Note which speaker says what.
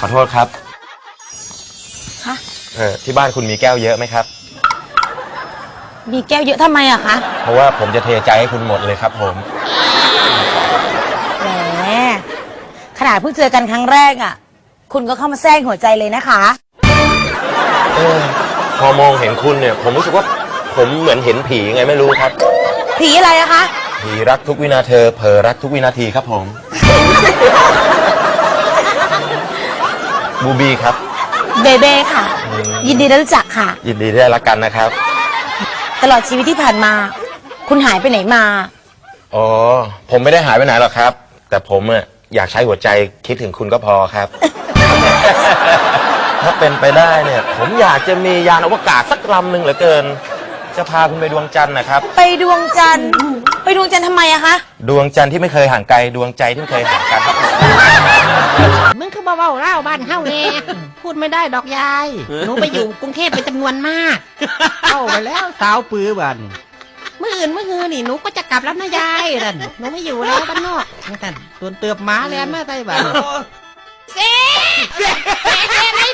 Speaker 1: ขอโทษครับ
Speaker 2: คะ
Speaker 1: ที่บ้านคุณมีแก้วเยอะไหมครับ
Speaker 2: มีแก้วเยอะทำไมอะคะ
Speaker 1: เพราะว่าผมจะเทใจให้คุณหมดเลยครับผม
Speaker 2: แหมขนาดเพิ่งเจอกันครั้งแรกอะคุณก็เข้ามาแทรกหัวใจเลยนะคะ
Speaker 1: พอมองเห็นคุณเนี่ย ผมรู้สึกว่าผมเหมือนเห็นผีไงไม่รู้ครับ
Speaker 2: ผีอะไรอะคะ
Speaker 1: ผีรักทุกวินาทีเผลอรักทุกวินาทีครับผม บูบีครับ
Speaker 2: เบเบ้ค่ะ ยินดีได้รู้จักค่ะ
Speaker 1: ยินดีที่ได้รักกันนะครับ
Speaker 2: ตลอดชีวิตที่ผ่านมา คุณหายไปไหนมา
Speaker 1: อ๋อ ผมไม่ได้หายไปไหนหรอกครับ แต่ผมอยากใช้หัวใจคิดถึงคุณก็พอครับ ถ้าเป็นไปได้เนี่ย ผมอยากจะมียานอวกาศสักลำหนึ่งเหลือเกิน จะพาคุณไปดวงจันทร์นะครับ
Speaker 2: ไปดวงจันทร์ไปดวงจันทร์ทำไมอะคะ
Speaker 1: ดวงจันทร์ที่ไม่เคยห่างไกลดวงใจที่ไม่เคยห่างกันครับ
Speaker 3: มึงคือเบาๆเล่าบ้านเฮาแน่พูดไม่ได้ดอกยาย หนูไปอยู่กรุงเทพเป็นจำนวนมากเข้าไปแล้วสาวปื้อบ้านเมื่ออื่นเมื่อคืนนี่หนูก็จะกลับแล้วนะยายนั่นหนูไม่อยู่แล้วบ้านนอกนั่นตัวนเตือบหมาแล้วแม่ไต้บ้านเซ่ไม่